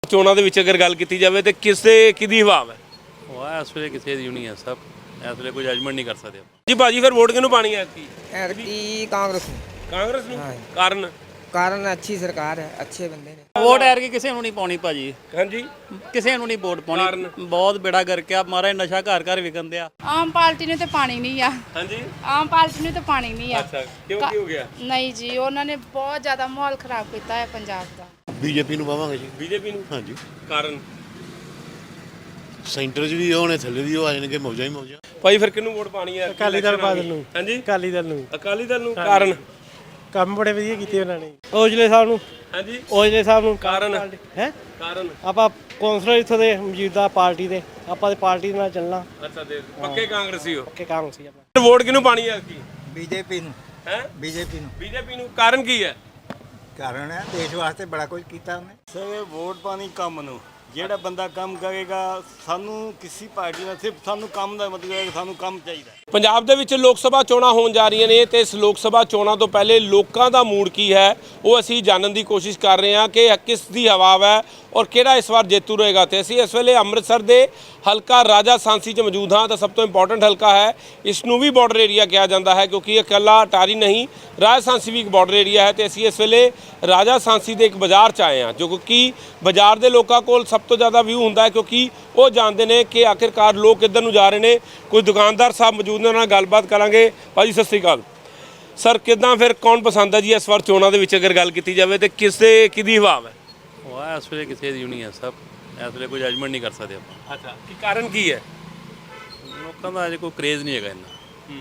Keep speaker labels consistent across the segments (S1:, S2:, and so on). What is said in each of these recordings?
S1: ਚੋਣਾਂ ਦੇ ਵਿੱਚ ਅਗਰ ਗੱਲ ਕੀਤੀ ਜਾਵੇ ਤੇ ਕਿਹਦੀ ਹਵਾ ਹੈ?
S2: ਉਹ ਇਸ ਵੇਲੇ ਕਿਸੇ ਦੀ ਨਹੀਂ ਹੈ ਸਭ ਇਸ ਵੇਲੇ ਕੋਈ ਜਜਮੈਂਟ ਨਹੀਂ ਕਰ ਸਕਦੇ
S1: ਜੀ ਭਾਜੀ ਫਿਰ ਵੋਟ ਕਿਹਨੂੰ ਪਾਣੀ ਹੈ ਐਤਕੀ?
S3: ਐਤਕੀ ਕਾਂਗਰਸ ਨੂੰ।
S1: ਕਾਂਗਰਸ ਨੂੰ। ਕਾਰਨ?
S3: ਕਾਰਨ ਅੱਛੀ ਸਰਕਾਰ ਹੈ, ਅੱਛੇ ਬੰਦੇ ਨੇ।
S4: ਵੋਟ ਐਰ ਕੇ ਕਿਸੇ ਨੂੰ ਨਹੀਂ ਪਾਉਣੀ ਭਾਜੀ,
S1: ਹਾਂਜੀ
S4: ਕਿਸੇ ਨੂੰ ਨਹੀਂ ਵੋਟ ਪਾਉਣੀ। ਬਹੁਤ ਬੇੜਾ ਕਰਕੇ ਆ ਮਾਰਾ ਨਸ਼ਾ ਘਰ ਘਰ ਵਿਕਣ ਦਿਆ।
S5: ਆਮ ਪਾਰਟੀ ਨੂੰ ਤੇ ਪਾਣੀ ਨਹੀਂ ਆ।
S1: ਹਾਂਜੀ
S5: ਆਮ ਪਾਰਟੀ ਨੂੰ ਤੇ ਪਾਣੀ ਨਹੀਂ ਆ।
S1: ਅੱਛਾ ਕਿਉਂ ਕੀ ਹੋ ਗਿਆ?
S5: ਨਹੀਂ ਜੀ, ਉਹਨਾਂ ਨੇ ਬਹੁਤ ਜ਼ਿਆਦਾ ਮਾਹੌਲ ਖਰਾਬ ਕੀਤਾ ਹੈ ਪੰਜਾਬ ਦਾ।
S6: ਬੀਜੇਪੀ ਨੂੰ ਪਾਵਾਂਗੇ ਜੀ।
S1: ਬੀਜੇਪੀ ਨੂੰ?
S6: ਹਾਂਜੀ।
S1: ਕਾਰਨ?
S6: ਸੈਂਟਰ 'ਚ ਵੀ ਹੋਣੇ, ਥੱਲੇ ਵੀ ਆ ਜਾਣਗੇ, ਮੌਜਾਂ ਹੀ ਮੌਜਾਂ।
S1: ਭਾਈ ਫਿਰ ਕਿਹਨੂੰ ਵੋਟ ਪਾਣੀ ਹੈ?
S7: ਅਕਾਲੀ ਦਲ ਬਾਦਲ ਨੂੰ।
S1: ਹਾਂਜੀ
S7: ਅਕਾਲੀ ਦਲ ਨੂੰ।
S1: ਅਕਾਲੀ ਦਲ ਨੂੰ। ਕਾਰਨ?
S7: ਕੰਮ ਬੜੇ ਵਧੀਆ ਕੀਤੇ ਉਹਨਾਂ ਨੇ। ਔਜਲੇ ਸਾਹਿਬ ਨੂੰ।
S1: ਹਾਂਜੀ
S7: ਔਜਲੇ ਸਾਹਿਬ ਨੂੰ।
S1: ਕਾਰਨ?
S7: ਹੈ
S1: ਕਾਰਨ?
S7: ਆਪਾਂ ਕੌਂਸਲਰ ਇੱਥੋਂ ਦੇ ਮੌਜੂਦਾ ਪਾਰਟੀ ਦੇ, ਆਪਾਂ ਤੇ ਪਾਰਟੀ ਨਾਲ ਚੱਲਣਾ।
S1: ਅੱਛਾ ਦੇ ਪੱਕੇ ਕਾਂਗਰਸੀ ਹੋ?
S7: ਪੱਕੇ ਕਾਂਗਰਸੀ ਆਪਾਂ।
S1: ਵੋਟ ਕਿਹਨੂੰ ਪਾਣੀ ਹੈ ਐਤਕੀ?
S3: ਬੀਜੇਪੀ ਨੂੰ।
S1: ਹੈ
S3: ਬੀਜੇਪੀ ਨੂੰ।
S1: ਬੀਜੇਪੀ ਨੂੰ। ਕਾਰਨ ਕੀ ਹੈ?
S3: ਕਾਰਨ ਹੈ ਦੇਸ਼ ਵਾਸਤੇ ਬੜਾ ਕੁਝ ਕੀਤਾ ਉਹਨੇ।
S8: ਸਰ ਵੋਟ ਪਾਣੀ ਕੰਮ ਨੂੰ, ਜਿਹੜਾ ਬੰਦਾ ਕੰਮ ਕਰੇਗਾ, ਸਾਨੂੰ ਕਿਸੇ ਪਾਰਟੀ ਨਾਲ ਸਿਰਫ ਸਾਨੂੰ ਕੰਮ ਦਾ ਮਤਲਬ ਹੈ ਕਿ ਸਾਨੂੰ ਕੰਮ ਚਾਹੀਦਾ।
S1: ਪੰਜਾਬ ਦੇ ਵਿੱਚ ਲੋਕ ਸਭਾ ਚੋਣਾਂ ਹੋਣ ਜਾ ਰਹੀਆਂ ਨੇ ਤੇ ਇਸ ਲੋਕ ਸਭਾ ਚੋਣਾਂ ਤੋਂ ਪਹਿਲੇ ਲੋਕਾਂ ਦਾ ਮੂਡ ਕੀ ਹੈ ਉਹ ਅਸੀਂ ਜਾਣਨ ਦੀ ਕੋਸ਼ਿਸ਼ ਕਰ ਰਹੇ ਹਾਂ ਕਿ ਕਿਸ ਦੀ ਹਵਾ ਹੈ ਔਰ ਕਿਹੜਾ ਇਸ ਵਾਰ ਜੇਤੂ ਰਹੇਗਾ। ਤੇ ਅਸੀਂ ਇਸ ਵੇਲੇ ਅੰਮ੍ਰਿਤਸਰ ਦੇ ਹਲਕਾ ਰਾਜਾ ਸਾਂਸੀ 'ਚ ਮੌਜੂਦ ਹਾਂ ਤਾਂ ਸਭ ਤੋਂ ਇੰਪੋਰਟੈਂਟ ਹਲਕਾ ਹੈ, ਇਸ ਨੂੰ ਵੀ ਬਾਰਡਰ ਏਰੀਆ ਕਿਹਾ ਜਾਂਦਾ ਹੈ ਕਿਉਂਕਿ ਇਹ ਇਕੱਲਾ ਅਟਾਰੀ ਨਹੀਂ, ਰਾਜਾ ਸਾਂਸੀ ਵੀ ਇੱਕ ਬਾਰਡਰ ਏਰੀਆ ਹੈ। ਤੇ ਅਸੀਂ ਇਸ ਵੇਲੇ ਰਾਜਾ ਸਾਂਸੀ ਦੇ ਇੱਕ ਬਾਜ਼ਾਰ 'ਚ ਆਏ ਹਾਂ ਜੋ ਕਿ ਬਾਜ਼ਾਰ ਦੇ ਲੋਕਾਂ ਕੋਲ ਸਭ ਤੋਂ ਜ਼ਿਆਦਾ ਵਿਊ ਹੁੰਦਾ ਹੈ ਕਿਉਂਕਿ ਉਹ ਜਾਣਦੇ ਨੇ ਕਿ ਆਖਿਰਕਾਰ ਲੋਕ ਕਿੱਧਰ ਨੂੰ ਜਾ ਰਹੇ ਨੇ। ਕੋਈ ਦੁਕਾਨਦਾਰ ਸਾਹਿਬ ਮੌਜੂਦ ਨੇ, ਉਹਨਾਂ ਨਾਲ ਗੱਲਬਾਤ ਕਰਾਂਗੇ। ਭਾਜੀ ਸਤਿ ਸ਼੍ਰੀ ਅਕਾਲ ਸਰ, ਕਿੱਦਾਂ ਫਿਰ ਕੌਣ ਪਸੰਦ ਹੈ ਜੀ ਇਸ ਵਾਰ ਚੋਣਾਂ ਦੇ ਵਿੱਚ ਅਗਰ ਗੱਲ ਕੀਤੀ ਜਾਵੇ ਤੇ ਕਿਹਦੀ ਹਵਾ ਹੈ?
S2: ਉਹ ਇਸ ਵੇਲੇ ਕਿਸੇ ਦੀ ਨਹੀਂ ਹੈ ਸਭ ਇਸ ਵੇਲੇ ਕੋਈ ਜਜਮੈਂਟ ਨਹੀਂ ਕਰ ਸਕਦੇ ਆਪਾਂ।
S1: ਅੱਛਾ ਕੀ ਕਾਰਨ ਕੀ ਹੈ?
S2: ਲੋਕਾਂ ਦਾ ਅਜੇ ਕੋਈ ਕਰੇਜ਼ ਨਹੀਂ ਹੈਗਾ ਇੰਨਾ।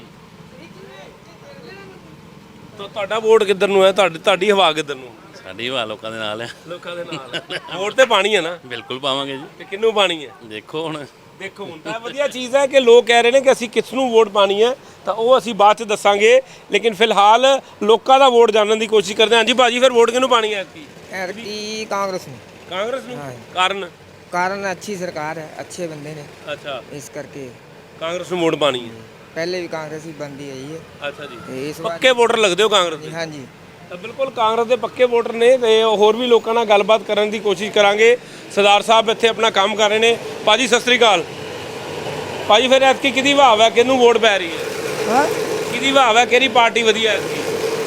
S1: ਤਾਂ ਤੁਹਾਡਾ ਵੋਟ ਕਿੱਧਰ ਨੂੰ ਹੈ? ਤੁਹਾਡੀ ਹਵਾ ਕਿੱਧਰ ਨੂੰ?
S2: ਸਾਡੀ ਹਵਾ ਲੋਕਾਂ ਦੇ ਨਾਲ ਹੈ।
S1: ਲੋਕਾਂ ਦੇ ਨਾਲ। ਵੋਟ ਤੇ ਪਾਣੀ ਹੈ ਨਾ?
S2: ਬਿਲਕੁਲ ਪਾਵਾਂਗੇ ਜੀ।
S1: ਤੇ ਕਿਹਨੂੰ ਪਾਣੀ ਹੈ?
S2: ਦੇਖੋ ਹੁਣ
S1: ਤਾਂ ਵਧੀਆ ਚੀਜ਼ ਹੈ ਕਿ ਲੋਕ ਕਹਿ ਰਹੇ ਨੇ ਕਿ ਅਸੀਂ ਕਿਸ ਨੂੰ ਵੋਟ ਪਾਣੀ ਹੈ ਤਾਂ ਉਹ ਅਸੀਂ ਬਾਅਦ ਚ ਦੱਸਾਂਗੇ, ਲੇਕਿਨ ਫਿਲਹਾਲ ਲੋਕਾਂ ਦਾ ਵੋਟ ਜਾਣਨ ਦੀ ਕੋਸ਼ਿਸ਼ ਕਰਦੇ ਹਾਂ। ਹਾਂਜੀ ਭਾਜੀ ਫਿਰ ਵੋਟ ਕਿਹਨੂੰ ਪਾਣੀ ਹੈ ਐਤਕੀ?
S3: ਐਤਕੀ ਕਾਂਗਰਸ ਨੂੰ।
S1: ਕਾਂਗਰਸ ਨੂੰ। ਕਾਰਨ?
S3: ਕਾਰਨ ਅੱਛੀ ਸਰਕਾਰ ਹੈ, ਅੱਛੇ ਬੰਦੇ ਨੇ,
S1: ਅੱਛਾ
S3: ਇਸ ਕਰਕੇ
S1: ਕਾਂਗਰਸ ਨੂੰ ਵੋਟ ਪਾਣੀ ਹੈ।
S3: ਪਹਿਲੇ ਵੀ ਕਾਂਗਰਸ ਹੀ ਬੰਦੀ ਆਈ ਹੈ
S1: ਅੱਛਾ ਜੀ,
S3: ਤੇ ਇਸ ਵਾਰ
S1: ਪੱਕੇ ਵੋਟਰ ਲੱਗਦੇ ਹੋ ਕਾਂਗਰਸ ਦੇ?
S3: ਹਾਂਜੀ।
S1: ਤਾਂ ਬਿਲਕੁਲ ਕਾਂਗਰਸ ਦੇ ਪੱਕੇ ਵੋਟਰ ਨੇ ਤੇ ਹੋਰ ਵੀ ਲੋਕਾਂ ਨਾਲ ਗੱਲਬਾਤ ਕਰਨ ਦੀ ਕੋਸ਼ਿਸ਼ ਕਰਾਂਗੇ। ਸਰਦਾਰ ਸਾਹਿਬ ਇੱਥੇ ਆਪਣਾ ਕੰਮ ਕਰ ਰਹੇ ਨੇ। ਭਾਜੀ ਸਤਿ ਸ੍ਰੀ ਅਕਾਲ। ਭਾਜੀ ਫਿਰ ਐਤਕੀ ਕਿਹਦੀ ਭਾਵ ਹੈ, ਕਿਹਨੂੰ ਵੋਟ ਪੈ ਰਹੀ ਹੈ?
S7: ਹਾਂ
S1: ਕਿਹਦੀ ਭਾਵ ਹੈ, ਕਿਹੜੀ ਪਾਰਟੀ ਵਧੀਆ ਐਤਕੀ?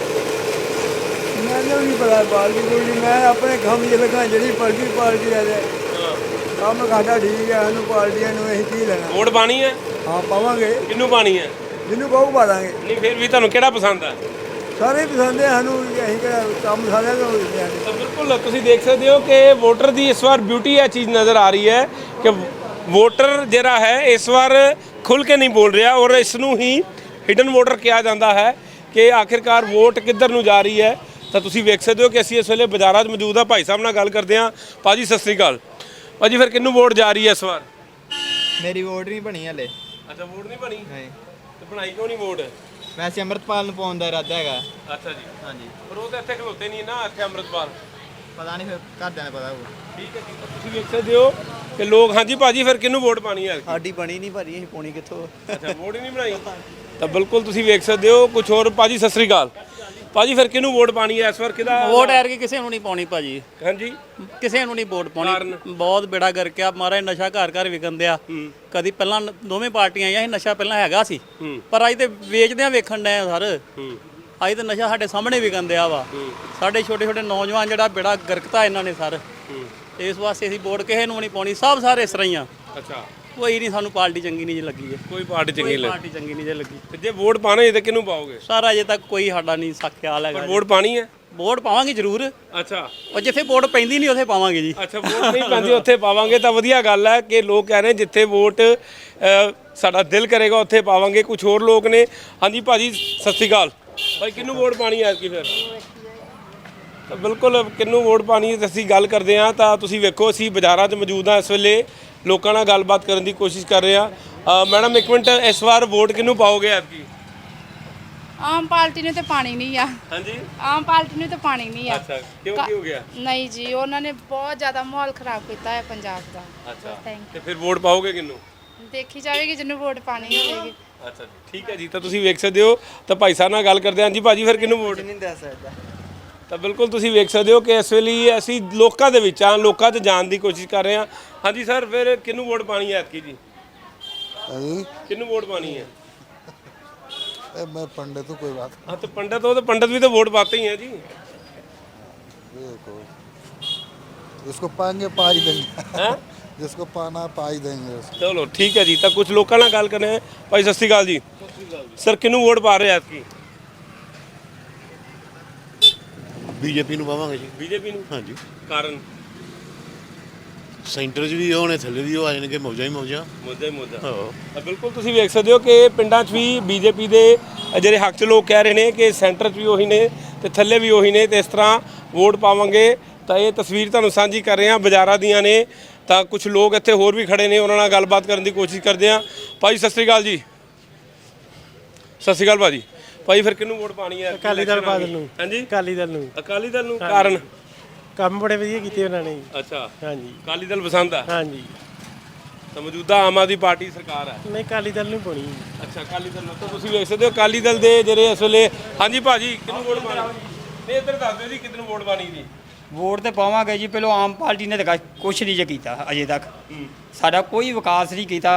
S7: ਮੈਨੂੰ ਨਹੀਂ ਪਤਾ ਪਾਰਟੀ ਕੋਈ, ਮੈਂ ਆਪਣੇ ਕੰਮ 'ਚ ਲੱਗਾ, ਜਿਹੜੀ ਪਾਰਟੀ ਆ ਜਾਏ ਕੰਮ ਸਾਡਾ ਠੀਕ ਹੈ, ਸਾਨੂੰ ਪਾਰਟੀਆਂ ਨੂੰ ਅਸੀਂ ਕੀ ਲੈਣਾ।
S1: ਵੋਟ ਪਾਣੀ ਹੈ?
S7: ਹਾਂ ਪਾਵਾਂਗੇ,
S1: ਕਿਹਨੂੰ ਪਾਣੀ ਹੈ?
S7: ਜਿਹਨੂੰ ਕਹੂ ਪਾ ਦਾਂਗੇ।
S1: ਨਹੀਂ ਫਿਰ ਵੀ ਤੁਹਾਨੂੰ ਕਿਹੜਾ ਪਸੰਦ ਹੈ?
S7: ਸਾਰੇ ਪਸੰਦ ਹੈ ਸਾਨੂੰ, ਅਸੀਂ ਕਿਹੜਾ ਕੰਮ ਸਾਰਿਆਂ ਦਾ ਹੋ ਜਾਂਦਾ।
S1: ਤਾਂ ਬਿਲਕੁਲ ਤੁਸੀਂ ਦੇਖ ਸਕਦੇ ਹੋ ਕਿ ਵੋਟਰ ਦੀ ਇਸ ਵਾਰ ਬਿਊਟੀ ਇਹ ਚੀਜ਼ ਨਜ਼ਰ ਆ ਰਹੀ ਹੈ ਕਿ ਵੋਟਰ ਜਿਹੜਾ ਹੈ ਇਸ ਵਾਰ ਖੁੱਲ੍ਹ ਕੇ ਨਹੀਂ ਬੋਲ ਰਿਹਾ ਔਰ ਇਸ ਨੂੰ ਹੀ ਹਿਡਨ ਵੋਟਰ ਕਿਹਾ ਜਾਂਦਾ ਹੈ ਕਿ ਆਖਿਰਕਾਰ ਵੋਟ ਕਿੱਧਰ ਨੂੰ ਜਾ ਰਹੀ ਹੈ। ਤਾਂ ਤੁਸੀਂ ਵੇਖ ਸਕਦੇ ਹੋ ਕਿ ਅਸੀਂ ਇਸ ਵੇਲੇ ਬਾਜ਼ਾਰਾਂ 'ਚ ਮੌਜੂਦ ਹਾਂ। ਭਾਈ ਸਾਹਿਬ ਨਾਲ ਗੱਲ ਕਰਦੇ ਹਾਂ। ਭਾਜੀ ਸਤਿ ਸ੍ਰੀ ਅਕਾਲ। ਭਾਜੀ ਫਿਰ ਕਿਹਨੂੰ ਵੋਟ ਜਾ ਰਹੀ ਹੈ ਇਸ ਵਾਰ?
S9: ਮੇਰੀ ਵੋਟ ਨਹੀਂ ਬਣੀ ਹਲੇ।
S1: ਅੱਛਾ ਵੋਟ ਨਹੀਂ ਬਣੀ?
S9: ਨਹੀਂ।
S1: ਤੇ ਬਣਾਈ ਕਿਉਂ ਨਹੀਂ ਵੋਟ?
S9: ਵੈਸੇ ਅੰਮ੍ਰਿਤਪਾਲ ਨੂੰ ਪਾਉਣ ਦਾ ਇਰਾਦਾ ਹੈਗਾ।
S1: ਅੱਛਾ ਜੀ।
S9: ਹਾਂਜੀ।
S1: ਪਰ ਉਹ ਤਾਂ ਇੱਥੇ ਖਲੋਤੇ ਨਹੀਂ ਨਾ, ਇੱਥੇ ਅੰਮ੍ਰਿਤਪਾਲ।
S9: ਪਤਾ ਨਹੀਂ ਫਿਰ ਘਰਦਿਆਂ ਨੂੰ ਪਤਾ ਹੋਊ।
S1: ਠੀਕ ਹੈ ਜੀ, ਤੁਸੀਂ ਵੇਖ ਸਕਦੇ ਹੋ ਕਿ ਲੋਕ। ਹਾਂਜੀ ਭਾਜੀ ਫਿਰ ਕਿਹਨੂੰ ਵੋਟ ਪਾਣੀ ਹੈ?
S9: ਸਾਡੀ ਬਣੀ ਨਹੀਂ ਭਾਜੀ, ਅਸੀਂ ਪਾਉਣੀ ਕਿੱਥੋਂ?
S1: ਅੱਛਾ ਵੋਟ ਹੀ ਨਹੀਂ ਬਣਾਈ। ਤਾਂ ਬਿਲਕੁਲ ਤੁਸੀਂ ਵੇਖ ਸਕਦੇ ਹੋ ਕੁਝ ਹੋਰ। ਭਾਜੀ ਸਤਿ ਸ੍ਰੀ ਅਕਾਲ। ਭਾਜੀ ਫਿਰ ਕਿਹਨੂੰ ਵੋਟ ਪਾਣੀ ਹੈ ਇਸ ਵਾਰ? ਕਿਹਦਾ
S4: ਵੋਟ ਐਰ ਕੇ ਕਿਸੇ ਨੂੰ ਨਹੀਂ ਪਾਉਣੀ ਭਾਜੀ,
S1: ਹਾਂਜੀ
S4: ਕਿਸੇ ਨੂੰ ਨਹੀਂ ਵੋਟ ਪਾਉਣੀ। ਬਹੁਤ ਬੇੜਾ ਕਰਕੇ ਆ ਮਾਰਾ ਨਸ਼ਾ ਘਰ ਘਰ ਵਿਕਣ ਦਿਆ। ਕਦੀ ਪਹਿਲਾਂ ਦੋਵੇਂ ਪਾਰਟੀਆਂ ਆਈਆਂ ਸੀ, ਨਸ਼ਾ ਪਹਿਲਾਂ ਹੈਗਾ ਸੀ ਪਰ ਅੱਜ ਤੇ ਵੇਚਦਿਆਂ ਵੇਖਣ ਡਏ ਆ ਸਰ। ਅੱਜ ਤੇ ਨਸ਼ਾ ਸਾਡੇ ਸਾਹਮਣੇ ਵਿਕਣ ਦਿਆ ਵਾ। ਸਾਡੇ ਛੋਟੇ ਛੋਟੇ ਨੌਜਵਾਨ ਜਿਹੜਾ ਬੇੜਾ ਗਰਕਤਾ ਇਹਨਾਂ ਨੇ ਸਰ। ਇਸ ਵਾਸਤੇ ਅਸੀਂ ਵੋਟ ਕਿਸੇ ਨੂੰ ਨਹੀਂ ਪਾਉਣੀ, ਸਭ ਸਾਰੇ ਇਸ ਤਰ੍ਹਾਂ ਹੀ ਆ।
S1: ਅੱਛਾ
S4: ਕੋਈ ਨਹੀਂ, ਸਾਨੂੰ ਪਾਰਟੀ ਚੰਗੀ ਨਹੀਂ ਜੇ ਲੱਗੀ ਹੈ।
S1: ਕੋਈ ਪਾਰਟੀ ਚੰਗੀ ਲੱਗੀ?
S4: ਪਾਰਟੀ ਚੰਗੀ ਨਹੀਂ ਜੇ ਲੱਗੀ।
S1: ਤੇ ਜੇ ਵੋਟ ਪਾਣਾ ਹੈ ਤਾਂ ਕਿਹਨੂੰ ਪਾਓਗੇ?
S4: ਸਾਰਾ ਅਜੇ ਤੱਕ ਕੋਈ ਸਾਡਾ ਨਹੀਂ ਖਿਆਲ ਹੈਗਾ।
S1: ਵੋਟ ਪਾਣੀ ਹੈ?
S4: ਵੋਟ ਪਾਵਾਂਗੇ ਜ਼ਰੂਰ।
S1: ਅੱਛਾ
S4: ਉਹ ਜਿੱਥੇ ਵੋਟ ਪੈਂਦੀ ਨਹੀਂ ਉੱਥੇ ਪਾਵਾਂਗੇ ਜੀ।
S1: ਅੱਛਾ ਵੋਟ ਨਹੀਂ ਪੈਂਦੀ ਉੱਥੇ ਪਾਵਾਂਗੇ, ਤਾਂ ਵਧੀਆ ਗੱਲ ਹੈ ਕਿ ਲੋਕ ਕਹਿ ਰਹੇ ਜਿੱਥੇ ਵੋਟ ਸਾਡਾ ਦਿਲ ਕਰੇਗਾ ਉੱਥੇ ਪਾਵਾਂਗੇ। ਕੁਝ ਹੋਰ ਲੋਕ ਨੇ। ਹਾਂਜੀ ਭਾਜੀ ਸਤਿ ਸ਼੍ਰੀ ਅਕਾਲ। ਭਾਈ ਕਿਹਨੂੰ ਵੋਟ ਪਾਣੀ ਹੈ ਕੀ ਫਿਰ? ਤਾਂ ਬਿਲਕੁਲ ਕਿਹਨੂੰ ਵੋਟ ਪਾਣੀ ਹੈ ਅਸੀਂ ਗੱਲ ਕਰਦੇ ਹਾਂ। ਤਾਂ ਤੁਸੀਂ ਵੇਖੋ ਅਸੀਂ ਬਾਜ਼ਾਰਾਂ 'ਚ ਮੌਜੂਦ ਹਾਂ, ਇਸ ਵੇਲੇ ਲੋਕਾਂ ਨਾਲ ਗੱਲਬਾਤ ਕਰਨ ਦੀ ਕੋਸ਼ਿਸ਼ ਕਰ ਰਹੇ ਹਾਂ। ਮੈਡਮ ਇੱਕ ਮਿੰਟ, ਇਸ ਵਾਰ ਵੋਟ ਕਿਹਨੂੰ ਪਾਓਗੇ ਐਤਕੀ?
S5: ਆਮ ਪਾਰਟੀ ਨੂੰ ਤੇ ਪਾਣੀ ਨਹੀਂ ਆ।
S1: ਹਾਂਜੀ
S5: ਆਮ ਪਾਰਟੀ ਨੂੰ ਤੇ ਪਾਣੀ ਨਹੀਂ ਆ।
S1: ਅੱਛਾ ਕਿਉਂ ਕੀ ਹੋ ਗਿਆ?
S5: ਨਹੀਂ ਜੀ, ਉਹਨਾਂ ਨੇ ਬਹੁਤ ਜ਼ਿਆਦਾ ਮਾਹੌਲ ਖਰਾਬ ਕੀਤਾ ਹੈ ਪੰਜਾਬ ਦਾ।
S1: ਅੱਛਾ
S5: ਥੈਂਕ
S1: ਤੇ ਫਿਰ ਵੋਟ ਪਾਓਗੇ ਕਿਹਨੂੰ?
S5: ਦੇਖੀ ਜਾਵੇਗੀ ਜਿਹਨੂੰ ਵੋਟ ਪਾਣੀ ਹੋਵੇਗੀ।
S1: ਅੱਛਾ ਠੀਕ ਹੈ ਜੀ। ਤਾਂ ਤੁਸੀਂ ਵੇਖ ਸਕਦੇ ਹੋ ਤਾਂ ਭਾਈ ਸਾਹਿਬ ਨਾਲ ਗੱਲ ਕਰਦੇ ਹਾਂ। ਹਾਂਜੀ ਭਾਜੀ ਫਿਰ ਕਿਹਨੂੰ ਵੋਟ?
S9: ਨਹੀਂ ਦੱਸ ਸਕਦਾ।
S1: ਤਾਂ ਬਿਲਕੁਲ ਤੁਸੀਂ ਵੇਖ ਸਕਦੇ ਹੋ ਕਿ ਇਸ ਵੇਲੇ ਅਸੀਂ ਲੋਕਾਂ ਦੇ ਵਿੱਚ ਆ, ਲੋਕਾਂ 'ਚ ਜਾਣ ਦੀ ਕੋਸ਼ਿਸ਼ ਕਰ ਰਹੇ ਹਾਂ। ਹਾਂਜੀ ਸਰ, ਫਿਰ ਕਿਹਨੂੰ ਵੋਟ ਪਾਣੀ ਹੈ ਐਤਕੀ ਜੀ? ਕਿਹਨੂੰ ਵੋਟ ਪਾਣੀ ਹੈ?
S6: मैं पंडित हूँ, कोई बात
S1: हाँ तो पंडित हो तो पंडित भी तो वोट पाते ही हैं जी।
S6: देखो जिसको पाएंगे पा ही देंगे
S1: हैं?
S6: जिसको पाना पा ही देंगे उसको।
S1: चलो ठीक है जी। तो कुछ लोगों ਨਾਲ ਗੱਲ ਕਰਨੇ हैं। भाई सत श्री अकाल जी। सर किहनू वोट पा रहे ਐਤਕੀ?
S6: बीजेपी ਨੂੰ ਪਾਵਾਂਗੇ ਜੀ।
S1: बीजेपी ਨੂੰ?
S6: ਹਾਂਜੀ
S1: ਕਾਰਨ?
S6: ਸੈਂਟਰ 'ਚ ਵੀ ਹੋਣੇ, ਥੱਲੇ ਵੀ ਆ ਜਾਣਗੇ, ਮੌਜਾਂ ਹੀ ਮੌਜਾਂ।
S1: ਮੁੱਦੇ ਮੁੱਦਾ।
S6: ਹਾਂ
S1: ਤਾਂ ਬਿਲਕੁਲ ਤੁਸੀਂ ਵੇਖ ਸਕਦੇ ਹੋ ਕਿ ਪਿੰਡਾਂ 'ਚ ਵੀ ਬੀਜੇਪੀ ਦੇ ਜਿਹੜੇ ਹੱਕ 'ਚ ਲੋਕ ਕਹਿ ਰਹੇ ਨੇ ਕਿ ਸੈਂਟਰ 'ਚ ਵੀ ਉਹੀ ਨੇ ਤੇ ਥੱਲੇ ਵੀ ਉਹੀ ਨੇ ਤੇ ਇਸ ਤਰ੍ਹਾਂ ਵੋਟ ਪਾਵਾਂਗੇ। ਤਾਂ ਇਹ ਤਸਵੀਰ ਤੁਹਾਨੂੰ ਸਾਂਝੀ ਕਰ ਰਹੇ ਹਾਂ ਬਾਜ਼ਾਰਾਂ ਦੀਆਂ ਨੇ। ਤਾਂ ਕੁਝ ਲੋਕ ਇੱਥੇ ਹੋਰ ਵੀ ਖੜੇ ਨੇ, ਉਹਨਾਂ ਨਾਲ ਗੱਲਬਾਤ ਕਰਨ ਦੀ ਕੋਸ਼ਿਸ਼ ਕਰਦੇ ਹਾਂ। ਭਾਈ ਸਤਿ ਸ਼੍ਰੀ ਅਕਾਲ ਜੀ। ਸਤਿ ਸ਼੍ਰੀ ਅਕਾਲ ਭਾਜੀ। ਭਾਈ ਫਿਰ ਕਿਹਨੂੰ ਵੋਟ ਪਾਣੀ ਹੈ?
S10: ਅਕਾਲੀ ਦਲ ਬਾਦਲ ਨੂੰ।
S1: ਹਾਂਜੀ
S10: ਅਕਾਲੀ ਦਲ ਨੂੰ।
S1: ਅਕਾਲੀ ਦਲ ਨੂੰ? ਕਾਰਨ?
S10: ਕੰਮ ਬੜੇ ਵਧੀਆ ਕੀਤੇ ਉਹਨਾਂ ਨੇ।
S1: ਅੱਛਾ,
S10: ਹਾਂਜੀ
S1: ਅਕਾਲੀ ਦਲ ਪਸੰਦ ਆ?
S10: ਹਾਂਜੀ।
S1: ਤਾਂ ਮੌਜੂਦਾ ਆਮ ਆਦਮੀ ਪਾਰਟੀ ਸਰਕਾਰ ਹੈ।
S10: ਨਹੀਂ, ਅਕਾਲੀ ਦਲ ਨੂੰ ਪਾਉਣੀ।
S1: ਅੱਛਾ, ਅਕਾਲੀ ਦਲ ਨੂੰ। ਤਾਂ ਤੁਸੀਂ ਵੇਖ ਸਕਦੇ ਹੋ ਅਕਾਲੀ ਦਲ ਦੇ ਜਿਹੜੇ ਇਸ ਵੇਲੇ। ਹਾਂਜੀ ਭਾਜੀ, ਕਿਹਨੂੰ ਵੋਟ ਪਾਣੀ? ਨਹੀਂ ਇੱਧਰ ਦੱਸ ਦਿਓ ਜੀ ਕਿਹਨੂੰ ਵੋਟ ਪਾਣੀ ਜੀ।
S11: ਵੋਟ ਤੇ ਪਾਵਾਂਗੇ ਜੀ। ਪਹਿਲਾਂ ਆਮ ਪਾਰਟੀ ਨੇ ਤਾਂ ਕੁਛ ਨਹੀਂ ਜੇ ਕੀਤਾ ਅਜੇ ਤੱਕ। ਸਾਡਾ ਕੋਈ ਵਿਕਾਸ ਨਹੀਂ ਕੀਤਾ।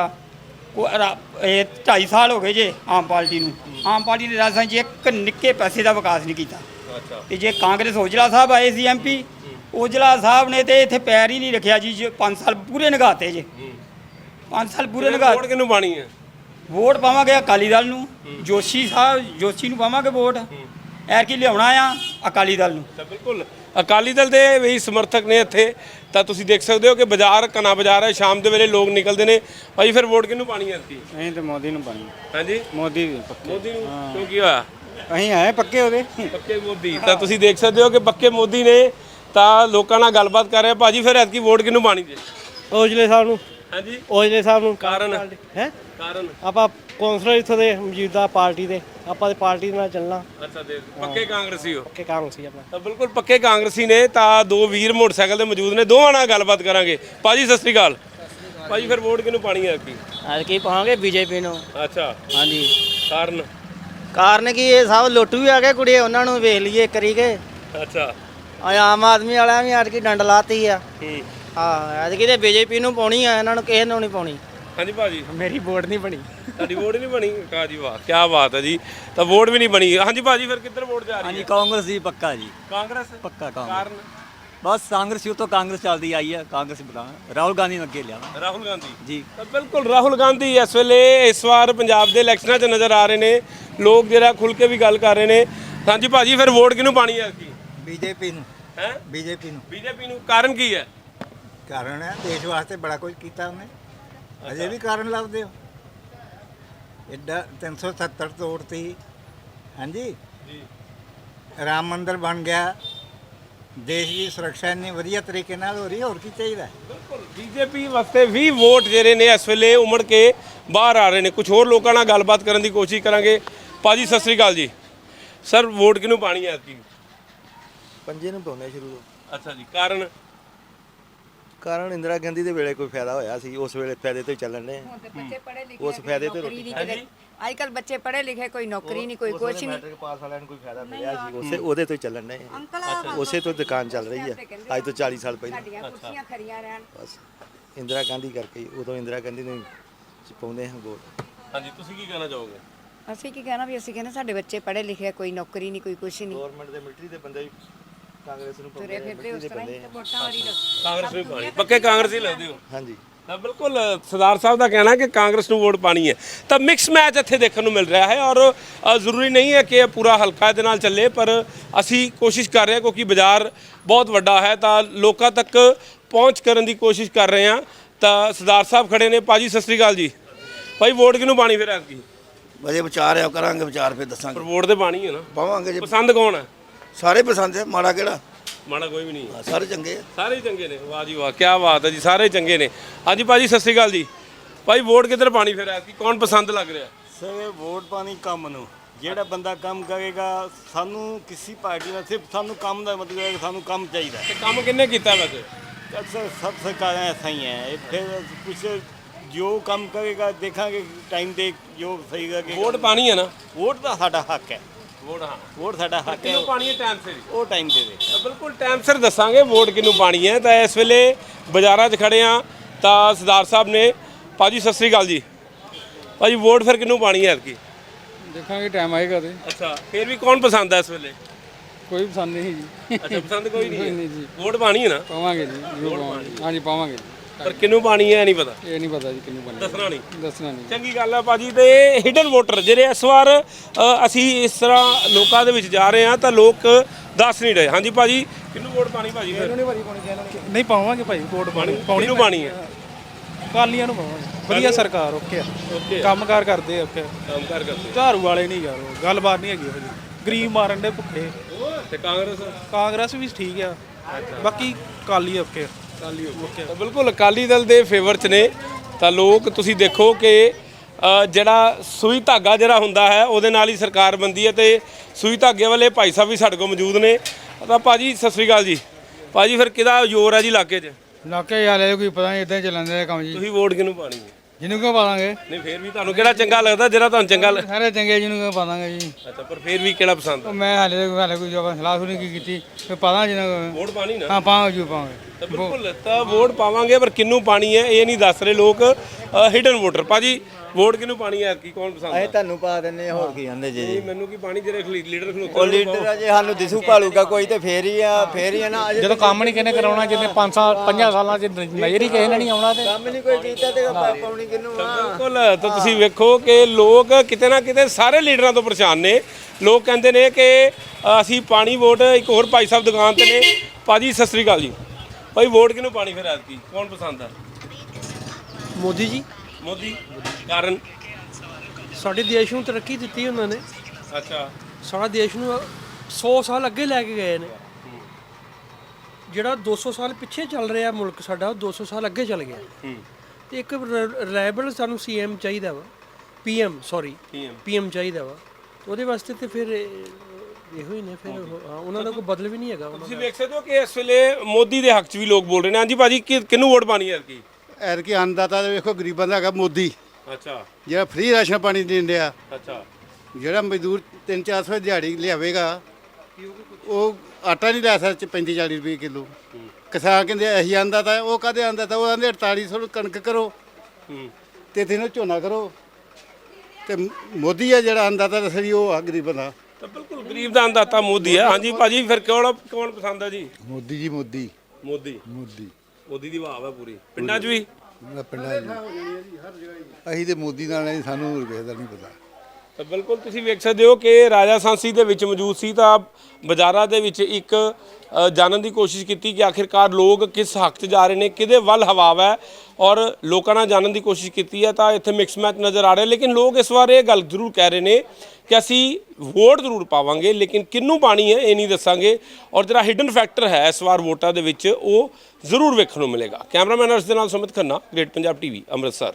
S11: ਇਹ 2.5 ਸਾਲ ਹੋ ਗਏ ਜੇ ਆਮ ਪਾਰਟੀ ਨੂੰ। ਆਮ ਪਾਰਟੀ ਨੇ ਰਾਜਸਥਾਨ 'ਚ ਇੱਕ ਨਿੱਕੇ ਪੈਸੇ ਦਾ ਵਿਕਾਸ ਨਹੀਂ ਕੀਤਾ।
S1: ਅੱਛਾ।
S11: ਤੇ ਜੇ ਕਾਂਗਰਸ ਔਜਲਾ ਸਾਹਿਬ ਆਏ ਸੀ MP, ਔਜਲਾ ਸਾਹਿਬ ਨੇ ਤੇ ਇੱਥੇ ਪੈਰ ਹੀ ਨਹੀਂ ਰੱਖਿਆ ਜੀ। 5 ਸਾਲ ਪੂਰੇ ਨਗਾਤੇ ਜੇ। 5 ਸਾਲ ਪੂਰੇ ਨਗਾ।
S1: ਵੋਟ ਕਿਹਨੂੰ ਪਾਣੀ ਹੈ?
S11: ਵੋਟ ਪਾਵਾਂਗੇ ਅਕਾਲੀ ਦਲ ਨੂੰ। ਜੋਸ਼ੀ ਸਾਹਿਬ, ਜੋਸ਼ੀ ਨੂੰ ਪਾਵਾਂਗੇ ਵੋਟ। ਐਰਕੀ ਲਿਆਉਣਾ ਆ ਅਕਾਲੀ ਦਲ ਨੂੰ।
S1: ਤਾਂ ਬਿਲਕੁਲ ਅਕਾਲੀ ਦਲ ਦੇ ਵੀ ਸਮਰਥਕ ਨੇ ਇੱਥੇ। ਤਾਂ ਤੁਸੀਂ ਦੇਖ ਸਕਦੇ ਹੋ ਕਿ ਬਾਜ਼ਾਰ ਕਨਾ ਬਾਜ਼ਾਰ ਹੈ, ਸ਼ਾਮ ਦੇ ਵੇਲੇ ਲੋਕ ਨਿਕਲਦੇ ਨੇ। ਭਾਈ ਫਿਰ ਵੋਟ ਕਿਹਨੂੰ ਪਾਣੀ ਹੈ ਐਤਕੀ?
S11: ਅਸੀਂ ਤਾਂ ਮੋਦੀ ਨੂੰ ਪਾਣੀ।
S1: ਹਾਂਜੀ,
S11: ਮੋਦੀ
S1: ਮੋਦੀ ਨੂੰ। ਕਿਉਂ ਕੀ ਹੋਇਆ?
S11: ਅਸੀਂ ਆਏ ਪੱਕੇ ਉਹਦੇ।
S1: ਪੱਕੇ ਮੋਦੀ। ਤਾਂ ਤੁਸੀਂ ਦੇਖ ਸਕਦੇ ਹੋ ਕਿ ਪੱਕੇ ਮੋਦੀ ਨੇ। ਤਾਂ ਲੋਕਾਂ ਨਾਲ ਗੱਲਬਾਤ ਕਰ ਰਹੇ ਆ। ਭਾਜੀ ਫਿਰ ਐਤਕੀ ਵੋਟ ਕਿਹਨੂੰ ਪਾਣੀ ਜੇ?
S10: ਔਜਲੇ ਸਾਹਿਬ ਨੂੰ।
S1: ਹਾਂਜੀ,
S10: ਔਜਲੇ ਸਾਹਿਬ ਨੂੰ।
S1: ਕਾਰਨ?
S10: ਹੈ
S1: ਕਾਰਨ?
S10: ਆਪਾਂ ਕੌਂਸਲਰ ਇੱਥੋਂ ਦੇ ਮੌਜੂਦਾ ਪਾਰਟੀ ਦੇ, ਆਪਾਂ ਤੇ ਪਾਰਟੀ ਦੇ ਨਾਲ ਚੱਲਣਾ।
S1: ਅੱਛਾ, ਦੇ ਪੱਕੇ ਕਾਂਗਰਸੀ ਹੋ?
S10: ਪੱਕੇ ਕਾਂਗਰਸੀ ਆਪਾਂ।
S1: ਤਾਂ ਬਿਲਕੁਲ ਪੱਕੇ ਕਾਂਗਰਸੀ ਨੇ। ਤਾਂ ਦੋ ਵੀਰ ਮੋਟਰਸਾਈਕਲ ਤੇ ਮੌਜੂਦ ਨੇ, ਦੋਵਾਂ ਨਾਲ ਗੱਲਬਾਤ ਕਰਾਂਗੇ। ਭਾਜੀ ਸਤਿ ਸ੍ਰੀ ਅਕਾਲ। ਭਾਜੀ ਫਿਰ ਵੋਟ ਕਿਹਨੂੰ ਪਾਣੀ ਹੈ ਐਤਕੀ?
S11: ਐਰਕੀ ਪਾਵਾਂਗੇ ਬੀਜੇਪੀ ਨੂੰ।
S1: ਅੱਛਾ,
S11: ਹਾਂਜੀ।
S1: ਕਾਰਨ?
S11: ਕਾਰਨ ਕੀ ਇਹ ਸਭ ਲੋਟੂ ਵੀ ਆ ਗਏ ਕੁੜੀ, ਉਹਨਾਂ ਨੂੰ ਵੇਖ ਲਈਏ ਕਰੀ ਕੇ।
S1: ਅੱਛਾ।
S11: ਆਮ ਆਦਮੀ ਵਾਲਿਆਂ ਵੀ ਐਰਕੀ ਡੰਡ ਲਾਤੀ ਆ। ਹਾਂ, ਐਰਕੀ ਤੇ ਬੀਜੇਪੀ ਨੂੰ ਪਾਉਣੀ ਆ, ਇਹਨਾਂ ਨੂੰ ਕਿਸੇ ਨੂੰ ਨਹੀਂ ਪਾਉਣੀ।
S1: ਹਾਂਜੀ ਭਾਜੀ।
S10: ਮੇਰੀ ਵੋਟ ਨਹੀਂ ਬਣੀ।
S1: ਤੁਹਾਡੀ ਵੋਟ ਨਹੀਂ ਬਣੀ? ਕਾ ਜੀ ਵਾਹ, ਕੀ ਬਾਤ ਹੈ ਜੀ। ਤਾਂ ਵੋਟ ਵੀ ਨਹੀਂ ਬਣੀ। ਹਾਂਜੀ ਭਾਜੀ ਫਿਰ ਕਿੱਧਰ ਵੋਟ ਜਾ ਰਹੀ ਹੈ?
S11: ਕਾਂਗਰਸ ਦੀ ਪੱਕਾ ਜੀ।
S1: ਕਾਂਗਰਸ?
S11: ਪੱਕਾ
S1: ਕਾਰਨ?
S11: ਬਸ ਕਾਂਗਰਸ ਤੋਂ ਕਾਂਗਰਸ ਚੱਲਦੀ ਆਈ ਹੈ। ਕਾਂਗਰਸ ਬੁਲਾ ਰਾਹੁਲ ਗਾਂਧੀ ਨੂੰ ਅੱਗੇ ਲਿਆਵਾਂ।
S1: ਰਾਹੁਲ ਗਾਂਧੀ
S11: ਜੀ।
S1: ਤਾਂ ਬਿਲਕੁਲ ਰਾਹੁਲ ਗਾਂਧੀ ਇਸ ਵੇਲੇ ਇਸ ਵਾਰ ਪੰਜਾਬ ਦੇ ਇਲੈਕਸ਼ਨਾਂ 'ਚ ਨਜ਼ਰ ਆ ਰਹੇ ਨੇ। ਲੋਕ ਜਿਹੜਾ ਖੁੱਲ ਕੇ ਵੀ ਗੱਲ ਕਰ ਰਹੇ ਨੇ। ਹਾਂਜੀ ਭਾਜੀ ਫਿਰ ਵੋਟ ਕਿਹਨੂੰ ਪਾਣੀ ਹੈ ਕੀ?
S3: ਬੀਜੇਪੀ ਨੂੰ।
S1: ਹੈ
S3: ਬੀਜੇਪੀ ਨੂੰ।
S1: ਬੀਜੇਪੀ ਨੂੰ। ਕਾਰਨ ਕੀ ਹੈ?
S3: ਕਾਰਨ ਹੈ ਦੇਸ਼ ਵਾਸਤੇ ਬੜਾ ਕੁਝ ਕੀਤਾ ਉਹਨੇ। ਅਜੇ ਵੀ ਕਾਰਨ ਲੱਭਦੇ ਹੋ। ਐਡਾ 370 ਤੋੜਤੀ। ਹਾਂਜੀ
S1: ਜੀ।
S3: ਰਾਮ ਮੰਦਿਰ ਬਣ ਗਿਆ। ਦੇਸ਼ ਦੀ ਸੁਰੱਖਿਆ ਇੰਨੀ ਵਧੀਆ ਤਰੀਕੇ ਨਾਲ ਹੋ ਰਹੀ, ਹੋਰ ਕੀ ਚਾਹੀਦਾ?
S1: ਬਿਲਕੁਲ ਬੀਜੇਪੀ ਵਾਸਤੇ ਵੀ ਵੋਟ ਜਿਹੜੇ ਨੇ ਇਸ ਵੇਲੇ ਉਮੜ ਕੇ ਬਾਹਰ ਆ ਰਹੇ ਨੇ। ਕੁਝ ਹੋਰ ਲੋਕਾਂ ਨਾਲ ਗੱਲਬਾਤ ਕਰਨ ਦੀ ਕੋਸ਼ਿਸ਼ ਕਰਾਂਗੇ। ਭਾਜੀ ਸਤਿ ਸ੍ਰੀ ਅਕਾਲ ਜੀ। ਸਰ ਵੋਟ ਕਿਹਨੂੰ ਪਾਣੀ ਹੈ ਐਤਕੀ?
S9: ਪੰਜੇ ਨੂੰ ਪਾਉਂਦੇ ਸ਼ੁਰੂ ਤੋਂ।
S1: ਅੱਛਾ ਜੀ। ਕਾਰਨ?
S9: ਕਾਰਨ ਇੰਦਰਾ ਗਾਂਧੀ ਦੇ ਵੇਲੇ ਕੋਈ ਫਾਇਦਾ ਹੋਇਆ ਸੀ, ਉਸ ਵੇਲੇ ਫਾਇਦੇ ਤੋਂ ਹੀ ਚੱਲਣ ਨੇ।
S5: ਬੱਚੇ ਪੜ੍ਹੇ ਲਿਖੇ
S9: ਉਸ ਫਾਇਦੇ ਤੇ
S5: ਅੱਜ ਕੱਲ ਬੱਚੇ ਪੜ੍ਹੇ ਲਿਖੇ, ਕੋਈ ਨੌਕਰੀ ਨਹੀਂ, ਕੋਈ ਕੁਛ ਨਹੀਂ।
S9: ਮੈਟ੍ਰਿਕ ਪਾਸ ਵਾਲਿਆਂ ਨੂੰ ਕੋਈ ਫਾਇਦਾ ਮਿਲਿਆ ਸੀ, ਉਹਦੇ ਤੋਂ ਹੀ ਚੱਲਣ ਨੇ। ਉਸੇ ਤੋਂ ਦੁਕਾਨ ਚੱਲ ਰਹੀ ਹੈ ਅੱਜ ਤੋਂ 40 ਸਾਲ ਪਹਿਲਾਂ।
S5: ਸਾਡੀਆਂ ਕੁਰਸੀਆਂ ਖਰੀਆਂ ਰਹਿਣ।
S9: ਬਸ ਇੰਦਰਾ ਗਾਂਧੀ ਕਰਕੇ ਹੀ, ਉਦੋਂ ਇੰਦਰਾ ਗਾਂਧੀ ਨੂੰ ਪਾਉਂਦੇ ਹਾਂ ਵੋਟ।
S1: ਹਾਂਜੀ, ਤੁਸੀਂ ਕੀ ਕਹਿਣਾ ਚਾਹੋਗੇ?
S5: ਅਸੀਂ ਕੀ ਕਹਿਣਾ ਵੀ ਅਸੀਂ ਕਹਿੰਦੇ ਸਾਡੇ ਬੱਚੇ ਪੜ੍ਹੇ ਲਿਖੇ, ਕੋਈ ਨੌਕਰੀ ਨਹੀਂ, ਕੋਈ ਕੁਛ ਨਹੀਂ।
S9: ਗਵਰਨਮੈਂਟ ਦੇ ਮਿਲਟਰੀ ਦੇ ਬੰਦੇ ਕਾਂਗਰਸ ਨੂੰ
S5: ਤੁਰੇ ਫਿਰਦੇ ਉਸ ਤਰ੍ਹਾਂ ਹੀ ਵੋਟਾਂ ਵਾਲੀ
S1: ਕਾਂਗਰਸ ਨੂੰ ਪਾਣੀ। ਪੱਕੇ ਕਾਂਗਰਸੀ ਲੱਗਦੇ ਹੋ?
S9: ਹਾਂਜੀ।
S1: ਤਾਂ ਬਿਲਕੁਲ ਸਰਦਾਰ ਸਾਹਿਬ ਦਾ ਕਹਿਣਾ ਕਿ ਕਾਂਗਰਸ ਨੂੰ ਵੋਟ ਪਾਣੀ ਹੈ। ਤਾਂ ਮਿਕਸ ਮੈਚ ਇੱਥੇ ਦੇਖਣ ਨੂੰ ਮਿਲ ਰਿਹਾ ਹੈ ਔਰ ਜ਼ਰੂਰੀ ਨਹੀਂ ਹੈ ਕਿ ਇਹ ਪੂਰਾ ਹਲਕਾ ਦੇ ਨਾਲ ਚੱਲੇ, ਪਰ ਅਸੀਂ ਕੋਸ਼ਿਸ਼ ਕਰ ਰਹੇ ਹਾਂ ਕਿਉਂਕਿ ਬਾਜ਼ਾਰ ਬਹੁਤ ਵੱਡਾ ਹੈ ਤਾਂ ਲੋਕਾਂ ਤੱਕ ਪਹੁੰਚ ਕਰਨ ਦੀ ਕੋਸ਼ਿਸ਼ ਕਰ ਰਹੇ ਹਾਂ। ਤਾਂ ਸਰਦਾਰ ਸਾਹਿਬ ਖੜੇ ਨੇ। ਭਾਜੀ ਸਤਿ ਸ੍ਰੀ ਅਕਾਲ ਜੀ। ਭਾਈ ਵੋਟ ਕਿਹਨੂੰ ਪਾਣੀ ਫਿਰ ਐਤਕੀ?
S6: ਅਜੇ ਵਿਚਾਰ ਆ, ਕਰਾਂਗੇ ਵਿਚਾਰ ਫਿਰ
S1: ਪਰ
S6: ਦੱਸਾਂਗੇ।
S1: ਵੋਟ ਤੇ ਪਾਣੀ ਹੈ ਨਾ।
S6: ਪਾਵਾਂਗੇ ਜੀ।
S1: ਪਸੰਦ ਕੌਣ ਹੈ?
S6: ਸਾਰੇ ਪਸੰਦ ਹੈ, ਮਾੜਾ ਕਿਹੜਾ?
S1: ਮਾੜਾ ਕੋਈ ਵੀ ਨਹੀਂ ਹੈ।
S6: ਸਾਰੇ ਚੰਗੇ ਆ।
S1: ਸਾਰੇ ਹੀ ਚੰਗੇ ਨੇ। ਵਾਹ ਜੀ ਵਾਹ, ਕੀ ਬਾਤ ਹੈ ਜੀ, ਸਾਰੇ ਚੰਗੇ ਨੇ। ਹਾਂਜੀ ਭਾਜੀ ਸਤਿ ਸ੍ਰੀ ਅਕਾਲ ਜੀ। ਭਾਈ ਵੋਟ ਕਿੱਧਰ ਪਾਣੀ ਫਿਰ ਐਤਕੀ? ਕੌਣ ਪਸੰਦ ਲੱਗ ਰਿਹਾ?
S8: ਸਰ ਵੋਟ ਪਾਣੀ ਕੰਮ ਨੂੰ। ਜਿਹੜਾ ਬੰਦਾ ਕੰਮ ਕਰੇਗਾ, ਸਾਨੂੰ ਕਿਸੇ ਪਾਰਟੀ ਨਾਲ ਸਿਰਫ ਸਾਨੂੰ ਕੰਮ ਦਾ ਮਤਲਬ ਹੈ ਕਿ ਸਾਨੂੰ ਕੰਮ ਚਾਹੀਦਾ।
S1: ਤੇ ਕੰਮ ਕਿੰਨੇ ਕੀਤਾ ਵੈਸੇ?
S8: ਅਕਸਰ ਸਭ ਸਰਕਾਰਾਂ ਐਸਾ ਹੀ ਹੈ। ਫਿਰ ਕੁਛ ਜੋ ਕੰਮ ਕਰੇਗਾ ਦੇਖਾਂਗੇ ਟਾਈਮ ਦੇ ਜੋ ਸਹੀ ਕਰਕੇ।
S1: ਵੋਟ ਪਾਣੀ ਹੈ ਨਾ?
S8: ਵੋਟ ਦਾ ਸਾਡਾ ਹੱਕ ਹੈ।
S1: ਵੋਟ ਹਾਂ
S8: ਵੋਟ ਸਾਡਾ ਹੱਕ ਹੈ
S1: ਕਿਹਨੂੰ ਪਾਣੀ ਹੈ ਟਾਈਮ ਸਿਰ ਹੀ?
S8: ਉਹ ਟਾਈਮ ਦੇ ਦੇ
S1: ਤਾਂ ਬਿਲਕੁਲ ਟਾਈਮ ਸਿਰ ਦੱਸਾਂਗੇ ਵੋਟ ਕਿਹਨੂੰ ਪਾਣੀ ਹੈ। ਤਾਂ ਇਸ ਵੇਲੇ ਬਾਜ਼ਾਰਾਂ 'ਚ ਖੜੇ ਆ ਤਾਂ ਸਰਦਾਰ ਸਾਹਿਬ ਨੇ ਭਾਜੀ ਸਤਿ ਸ੍ਰੀ ਅਕਾਲ ਜੀ। ਭਾਜੀ ਵੋਟ ਫਿਰ ਕਿਹਨੂੰ ਪਾਣੀ ਹੈ ਐਤਕੀ?
S10: ਦੇਖਾਂਗੇ ਟਾਈਮ ਆਏਗਾ ਤੇ
S1: ਅੱਛਾ ਫਿਰ ਵੀ ਕੌਣ ਪਸੰਦ ਹੈ ਇਸ ਵੇਲੇ?
S10: ਕੋਈ ਪਸੰਦ ਨਹੀਂ ਜੀ।
S1: ਅੱਛਾ ਪਸੰਦ ਕੋਈ ਨਹੀਂ
S10: ਨਹੀਂ
S1: ਹੈ
S10: ਜੀ।
S1: ਵੋਟ ਪਾਣੀ ਹੈ ਨਾ
S10: ਪਾਵਾਂਗੇ ਜੀ ਜ਼ਰੂਰ ਪਾਵਾਂਗੇ। ਹਾਂਜੀ ਪਾਵਾਂਗੇ ਜੀ।
S1: ਪਰ ਕਿਹਨੂੰ ਪਾਣੀ ਹੈ ਨਹੀਂ ਪਤਾ,
S10: ਇਹ ਨਹੀਂ ਪਤਾ ਜੀ ਕਿੰਨੂੰ ਬਣਨਾ।
S1: ਦੱਸਣਾ ਨਹੀਂ।
S10: ਦੱਸਣਾ ਨਹੀਂ।
S1: ਚੰਗੀ ਗੱਲ ਹੈ ਭਾਜੀ। ਤੇ ਹਿਡਨ ਵੋਟਰ ਜਿਹੜੇ ਇਸ ਵਾਰ ਅਸੀਂ ਇਸ ਤਰ੍ਹਾਂ ਲੋਕਾਂ ਦੇ ਵਿੱਚ ਜਾ ਰਹੇ ਹਾਂ ਤਾਂ ਲੋਕ ਦੱਸ ਨਹੀਂ ਰਹੇ। ਹਾਂਜੀ ਭਾਜੀ ਕਿਹਨੂੰ ਵੋਟ ਪਾਣੀ ਭਾਜੀ ਫਿਰ?
S10: ਨਹੀਂ ਪਾਵਾਂਗੇ ਭਾਈ ਵੋਟ ਪਾਣੀ
S1: ਕਿਹਨੂੰ ਪਾਣੀ ਹੈ?
S10: ਕਾਲੀਆਂ ਨੂੰ ਪਾਵਾਂਗੇ। ਵਧੀਆ ਸਰਕਾਰ ਓਕੇ ਆ।
S1: ਓਕੇ
S10: ਕੰਮਕਾਰ ਕਰਦੇ ਓਕੇ।
S1: ਕੰਮ ਕਰ ਕਰਦੇ
S10: ਝਾੜੂ ਵਾਲੇ ਨਹੀਂ ਯਾਰ ਗੱਲਬਾਤ ਨਹੀਂ ਹੈਗੀ ਉਹ ਜੀ। ਗਰੀਬ ਮਾਰਨ ਦੇ ਭੁੱਖੇ।
S1: ਤੇ ਕਾਂਗਰਸ
S10: ਕਾਂਗਰਸ ਵੀ ਠੀਕ ਆ ਬਾਕੀ ਕਾਲੀ ਓਕੇ।
S1: ਅਕਾਲੀ ਤਾਂ ਬਿਲਕੁਲ ਅਕਾਲੀ ਦਲ ਦੇ ਫੇਵਰ 'ਚ ਨੇ। ਤਾਂ ਲੋਕ ਤੁਸੀਂ ਦੇਖੋ ਕਿ ਜਿਹੜਾ ਸੂਈ ਧਾਗਾ ਜਿਹੜਾ ਹੁੰਦਾ ਹੈ ਉਹਦੇ ਨਾਲ ਹੀ ਸਰਕਾਰ ਬਣਦੀ ਹੈ ਤੇ ਸੂਈ ਧਾਗੇ ਵਾਲੇ ਭਾਈ ਸਾਹਿਬ ਵੀ ਸਾਡੇ ਕੋਲ ਮੌਜੂਦ ਨੇ। ਤਾਂ ਭਾਜੀ ਸਤਿ ਸ੍ਰੀ ਅਕਾਲ ਜੀ। ਭਾਜੀ ਫਿਰ ਕਿਹਦਾ ਜ਼ੋਰ ਹੈ ਜੀ ਇਲਾਕੇ 'ਚ?
S10: ਇਲਾਕੇ ਵਾਲੇ ਕੋਈ ਪਤਾ ਨਹੀਂ ਇਦਾਂ ਚੱਲਦੇ ਆ ਕੰਮ ਜੀ।
S1: ਤੁਸੀਂ ਵੋਟ ਕਿਹਨੂੰ ਪਾਣੀ ਹੈ?
S10: ਜਿਹਨੂੰ ਕਿਉਂ ਪਾਵਾਂਗੇ?
S1: ਨਹੀਂ ਫਿਰ ਵੀ ਤੁਹਾਨੂੰ ਕਿਹੜਾ ਚੰਗਾ ਲੱਗਦਾ ਜਿਹੜਾ ਤੁਹਾਨੂੰ ਚੰਗਾ
S10: ਸਾਰੇ ਚੰਗੇ ਜਿਹਨੂੰ ਕਿਉਂ ਪਾਵਾਂਗੇ ਜੀ।
S1: ਅੱਛਾ ਪਰ ਫਿਰ ਵੀ ਕਿਹੜਾ ਪਸੰਦ?
S10: ਮੈਂ ਹਾਲੇ ਕੋਈ ਜਵਾਬ ਸਲਾਹ ਸੁਣੀ ਕੀ ਕੀਤੀ ਫਿਰ ਪਾਵਾਂ ਜਿਹਨੂੰ
S1: ਵੋਟ ਪਾਣੀ ਨਾ।
S10: ਹਾਂ ਪਾਵਾਂਗੇ ਜੀ ਪਾਵਾਂਗੇ।
S1: ਤਾਂ ਬਿਲਕੁਲ ਤਾਂ ਵੋਟ ਪਾਵਾਂਗੇ ਪਰ ਕਿਹਨੂੰ ਪਾਣੀ ਹੈ ਇਹ ਨਹੀਂ ਦੱਸ ਰਹੇ ਲੋਕ। ਹਿਡਨ ਵੋਟਰ ਭਾਜੀ ਵੋਟ ਕਿਹਨੂੰ ਪਾਣੀ ਹੈ ਕੀ ਕੌਣ ਪਸੰਦ ਹੈ?
S3: ਤੁਹਾਨੂੰ ਪਾ ਦਿੰਨੇ ਹੋਰ ਕੀ ਕਹਿੰਦੇ ਜੀ
S1: ਮੈਨੂੰ ਕੀ ਪਾਣੀ ਜਿਹੜੇ ਲੀਡਰ ਖਲੋਤੇ
S3: ਉਹ ਲੀਡਰ ਆ ਜੇ ਸਾਨੂੰ ਦਿਸੂ ਭਾਲੂਗਾ ਕੋਈ ਤੇ ਫੇਰ ਹੀ ਆ ਨਾ
S10: ਜਦੋਂ ਕੰਮ ਨਹੀਂ ਕਿਹਨੇ ਕਰਾਉਣਾ ਜਿਹਨੇ 5 ਸਾਲਾਂ ਚ ਨਜ਼ਰ ਹੀ ਕਿਸੇ ਨੇ ਨਹੀਂ ਆਉਣਾ ਤੇ
S3: ਕੰਮ ਨਹੀਂ ਕੋਈ ਕੀਤਾ ਤੇ ਪਾਉਣੀ ਕਿਨੂੰ ਆ
S1: ਬਿਲਕੁਲ। ਤਾਂ ਤੁਸੀਂ ਵੇਖੋ ਕਿ ਲੋਕ ਕਿਤੇ ਨਾ ਕਿਤੇ ਸਾਰੇ ਲੀਡਰਾਂ ਤੋਂ ਪਰੇਸ਼ਾਨ ਨੇ। ਲੋਕ ਕਹਿੰਦੇ ਨੇ ਕਿ ਅਸੀਂ ਪਾਣੀ ਵੋਟ। ਇੱਕ ਹੋਰ ਭਾਈ ਸਾਹਿਬ ਦੁਕਾਨ ਤੇ ਨੇ। ਭਾਜੀ ਸਤਿ ਸ੍ਰੀ ਅਕਾਲ ਜੀ। ਭਾਈ ਵੋਟ ਕਿਹਨੂੰ ਪਾਣੀ ਫਿਰ ਐਤਕੀ ਕੌਣ ਪਸੰਦ ਹੈ?
S10: ਮੋਦੀ ਜੀ।
S1: ਮੋਦੀ ਕਾਰਨ?
S10: ਸਾਡੇ ਦੇਸ਼ ਨੂੰ ਤਰੱਕੀ ਦਿੱਤੀ ਉਹਨਾਂ ਨੇ।
S1: ਅੱਛਾ
S10: ਸਾਡਾ ਦੇਸ਼ ਨੂੰ 100 ਸਾਲ ਅੱਗੇ ਲੈ ਕੇ ਗਏ ਨੇ। ਜਿਹੜਾ 200 ਸਾਲ ਪਿੱਛੇ ਚੱਲ ਰਿਹਾ ਮੁਲਕ ਸਾਡਾ ਉਹ 200 ਸਾਲ ਅੱਗੇ ਚੱਲ ਗਿਆ। ਤੇ ਇੱਕ ਰਿਲਾਇਬਲ ਸਾਨੂੰ ਸੀਐਮ ਚਾਹੀਦਾ ਵਾ। ਪੀਐਮ ਚਾਹੀਦਾ ਵਾ। ਉਹਦੇ ਵਾਸਤੇ ਤੇ ਫਿਰ ਇਹੋ ਹੀ ਨੇ। ਫਿਰ ਉਹਨਾਂ ਦਾ ਕੋਈ ਬਦਲ ਵੀ ਨਹੀਂ ਹੈਗਾ।
S1: ਤੁਸੀਂ ਵੇਖ ਸਕਦੇ ਹੋ ਕਿ ਇਸ ਵੇਲੇ ਮੋਦੀ ਦੇ ਹੱਕ 'ਚ ਵੀ ਲੋਕ ਬੋਲ ਰਹੇ ਨੇ। ਹਾਂਜੀ ਭਾਜੀ ਕਿਹਨੂੰ ਵੋਟ ਪਾਣੀ ਹੈ ਐਤਕੀ?
S6: ਐਤਕੀ ਅੰਨਦਾਤਾ ਵੇਖੋ ਗਰੀਬਾਂ ਦਾ ਹੈਗਾ ਮੋਦੀ,
S1: ਅੱਛਾ
S6: ਜਿਹੜਾ ਫ੍ਰੀ ਰਾਸ਼ਨ ਪਾਣੀ ਦੇਣ ਡਿਆ।
S1: ਅੱਛਾ
S6: ਜਿਹੜਾ ਮਜ਼ਦੂਰ 300-400 ਦਿਹਾੜੀ ਲਿਆਵੇਗਾ ਉਹ ਆਟਾ ਨਹੀਂ ਲੈ ਸਕਦਾ 35-40 ਰੁਪਏ ਕਿਲੋ। ਕਿਸਾਨ ਕਹਿੰਦੇ ਅਸੀਂ ਅੰਨਦਾਤਾ, ਉਹ ਕਾਹਦੇ ਅੰਨਦਾਤਾ? ਉਹ ਆਂਦੇ 4800 ਕਣਕ ਕਰੋ ਤੇ 300 ਝੋਨਾ ਕਰੋ। ਤੇ ਮੋਦੀ ਆ ਜਿਹੜਾ ਅੰਨਦਾਤਾ ਦੱਸੀ ਉਹ ਆ ਗਰੀਬਾਂ ਦਾ।
S1: ਤਾਂ ਬਿਲਕੁਲ ਗਰੀਬ ਦਾ ਅੰਨਦਾਤਾ ਮੋਦੀ ਹੈ। ਹਾਂਜੀ ਭਾਜੀ ਫਿਰ ਕੌਣ ਪਸੰਦ ਹੈ ਜੀ?
S6: ਮੋਦੀ ਜੀ ਮੋਦੀ
S1: ਮੋਦੀ
S6: ਮੋਦੀ
S1: ਦੀ ਵਾਹ ਹੈ ਪੂਰੀ ਪਿੰਡਾਂ 'ਚ ਵੀ।
S6: ਪਿੰਡਾਂ ਅਸੀਂ ਤੇ ਮੋਦੀ ਨਾਲ ਨਹੀਂ, ਸਾਨੂੰ ਹੋਰ ਕਿਸੇ ਦਾ ਨਹੀਂ ਪਤਾ।
S1: ਤਾਂ ਬਿਲਕੁਲ ਤੁਸੀਂ ਵੇਖ ਸਕਦੇ ਹੋ ਕਿ ਰਾਜਾ ਸਾਂਸੀ ਦੇ ਵਿੱਚ ਮੌਜੂਦ ਸੀ ਤਾਂ ਬਾਜ਼ਾਰਾਂ ਦੇ ਵਿੱਚ ਇੱਕ ਜਾਣਨ ਦੀ ਕੋਸ਼ਿਸ਼ ਕੀਤੀ ਕਿ ਆਖਿਰਕਾਰ ਲੋਕ ਕਿਸ ਹੱਕ 'ਚ ਜਾ ਰਹੇ ਨੇ, ਕਿਹਦੇ ਵੱਲ ਹਵਾਵ ਹੈ ਔਰ ਲੋਕਾਂ ਨਾਲ ਜਾਣਨ ਦੀ ਕੋਸ਼ਿਸ਼ ਕੀਤੀ ਹੈ ਤਾਂ ਇੱਥੇ ਮਿਕਸ ਮੈਚ ਨਜ਼ਰ ਆ ਰਿਹਾ। ਲੇਕਿਨ ਲੋਕ ਇਸ ਵਾਰ ਇਹ ਗੱਲ ਜ਼ਰੂਰ ਕਹਿ ਰਹੇ ਨੇ ਕਿ ਅਸੀਂ ਵੋਟ ਜ਼ਰੂਰ ਪਾਵਾਂਗੇ ਲੇਕਿਨ ਕਿਹਨੂੰ ਪਾਣੀ ਹੈ ਇਹ ਨਹੀਂ ਦੱਸਾਂਗੇ। ਔਰ ਜਿਹੜਾ ਹਿਡਨ ਫੈਕਟਰ ਹੈ ਇਸ ਵਾਰ ਵੋਟਾਂ ਦੇ ਵਿੱਚ ਉਹ ਜ਼ਰੂਰ ਵੇਖਣ ਨੂੰ ਮਿਲੇਗਾ। ਕੈਮਰਾਮੈਨ ਅਰਸ਼ ਦੇ ਨਾਲ ਸੁਮਿਤ ਖੰਨਾ, ਗ੍ਰੇਟ ਪੰਜਾਬ ਟੀਵੀ, ਅੰਮ੍ਰਿਤਸਰ।